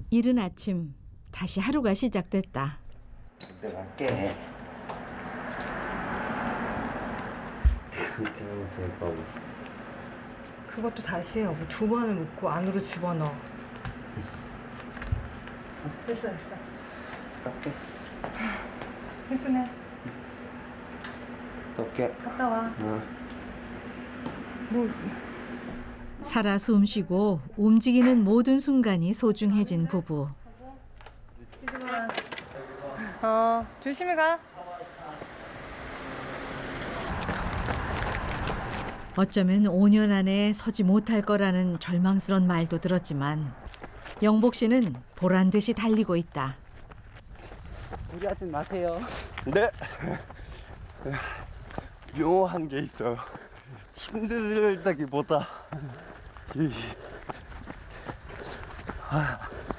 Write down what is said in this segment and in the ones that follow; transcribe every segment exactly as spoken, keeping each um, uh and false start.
이른 아침 다시 하루가 시작됐다. 내가 갈게. 그것도 다시 해요. 두 번을 묶고 안으로 집어넣어. 됐어 됐어. 갈게. 예쁘네. 갈게. 갔다 와. 어. 뭐 살아 숨쉬고 움직이는 모든 순간이 소중해진 부부. 어 조심히 가. 어쩌면 오 년 안에 서지 못할 거라는 절망스런 말도 들었지만 영복 씨는 보란 듯이 달리고 있다. 무리하지 마세요. 네. 묘한 게 있어요. 힘들다기보다 이, 아,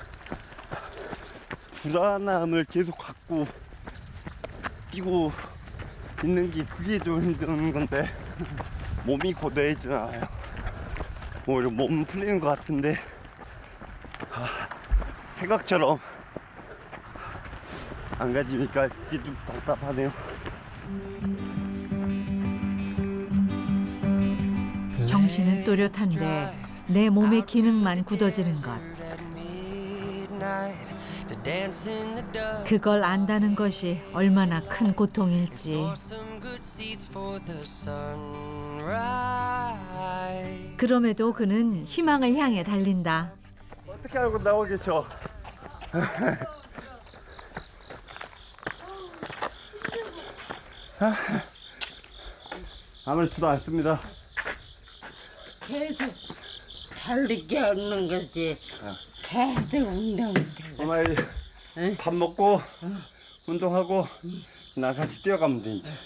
불안함을 계속 갖고 뛰고 있는 게 그게 좀 힘든 건데 몸이 고되진 않아요. 오히려 몸 풀리는 것 같은데 아, 생각처럼 안 가지니까 이게 좀 답답하네요. 정신은 또렷한데 내 몸의 기능만 굳어지는 것. 그걸 안다는 것이 얼마나 큰 고통일지. 그럼에도 그는 희망을 향해 달린다. 어떻게 알고 나오겠죠? 아무렇지도 않습니다. 계속 달리게 하는 거지. 계속 운동돼. 엄마 이제 응? 밥 먹고 운동하고 나 같이 뛰어가면 돼 이제.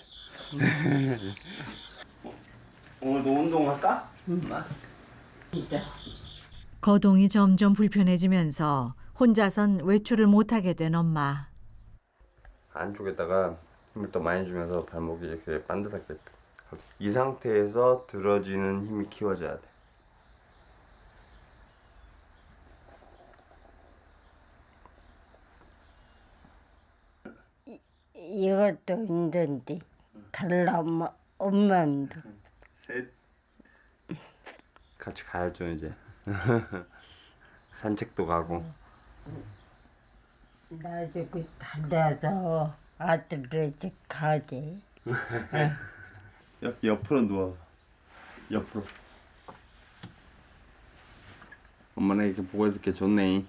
오늘도 운동할까? 엄마? 진짜. 거동이 점점 불편해지면서 혼자선 외출을 못하게 된 엄마. 안쪽에다가 힘을 더 많이 주면서 발목이 이렇게 반듯하게 이 상태에서 들어지는 힘이 키워져야 돼. 이것도 힘든데. 달라 엄마 엄마도. 셋. 같이 가야죠 이제. 산책도 가고. 나중에 달려서 아들을 집 가지. 여기 옆으로 누워. 옆으로. 엄마는 이렇게 보고 있을게 좋네.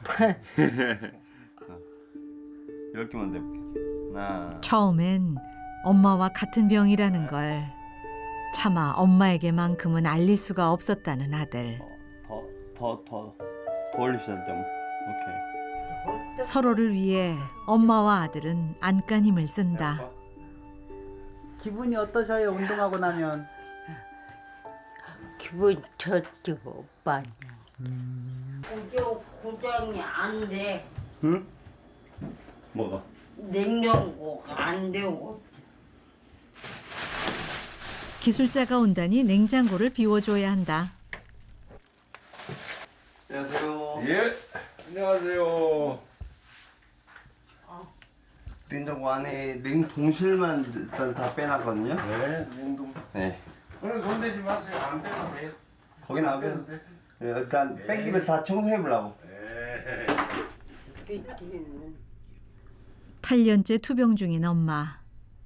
어. 이렇게만 내볼게. 하나. 처음엔 엄마와 같은 병이라는 걸 차마 엄마에게만큼은 알릴 수가 없었다는 아들. 더, 더, 더, 더 올리셔야 돼. 오케이. 서로를 위해 엄마와 아들은 안간힘을 쓴다. 기분이 어떠셔요? 운동하고 나면? 기분 좋지 오빠는. 고정 고정이 안 돼. 응? 뭐가? 냉장고가 안 되고. 기술자가 온다니 냉장고를 비워줘야 한다. 안녕하세요. 예, 안녕하세요. 냉장고 안에 냉동실만 일단 다 빼놨거든요. 네, 냉동. 네. 오늘 돈 내지 마세요. 안 빼도 돼요. 거기는 안 빼도 돼. 네, 일단 뺀 김에 다 청소해 보려고. 네. 삐끼는. 팔 년째 투병 중인 엄마.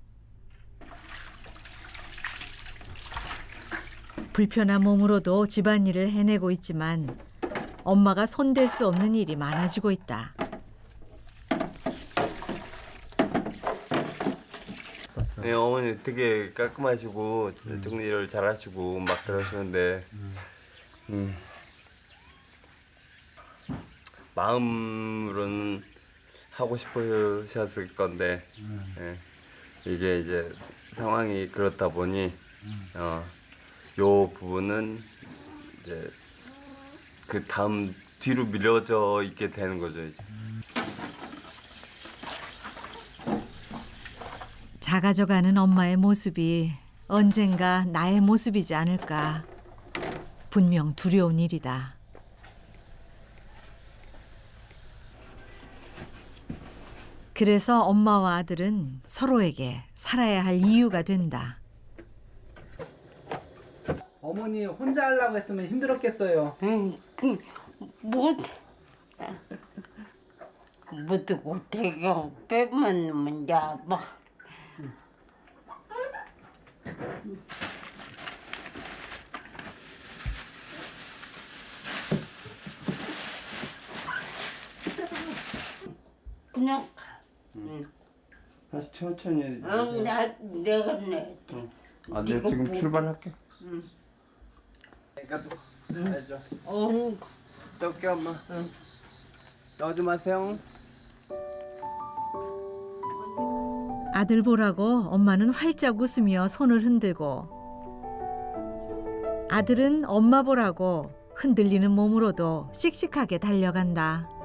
불편한 몸으로도 집안일을 해내고 있지만 엄마가 손댈 수 없는 일이 많아지고 있다. 네, 어머니 되게 깔끔하시고 정리를 잘하시고 막 그러시는데 음. 마음으로는 하고 싶으셨을 건데 예, 이게 이제 상황이 그렇다 보니 어, 요 부분은 이제 그 다음 뒤로 밀려져 있게 되는 거죠. 이제. 작아져가는 엄마의 모습이 언젠가 나의 모습이지 않을까. 분명 두려운 일이다. 그래서 엄마와 아들은 서로에게 살아야 할 이유가 된다. 어머니 혼자 하려고 했으면 힘들었겠어요. 응, 그, 못, 못하고 대경 빼면 문제 봐. 그냥, 응, 다시 천천히 해. 응, 나, 내가 내. 아, 내가 이거 지금 뭐- 출발할게. 내가 또 알죠. 어, 또 올게 엄마. 나오지 마세요. 아들 보라고 엄마는 활짝 웃으며 손을 흔들고 아들은 엄마 보라고 흔들리는 몸으로도 씩씩하게 달려간다.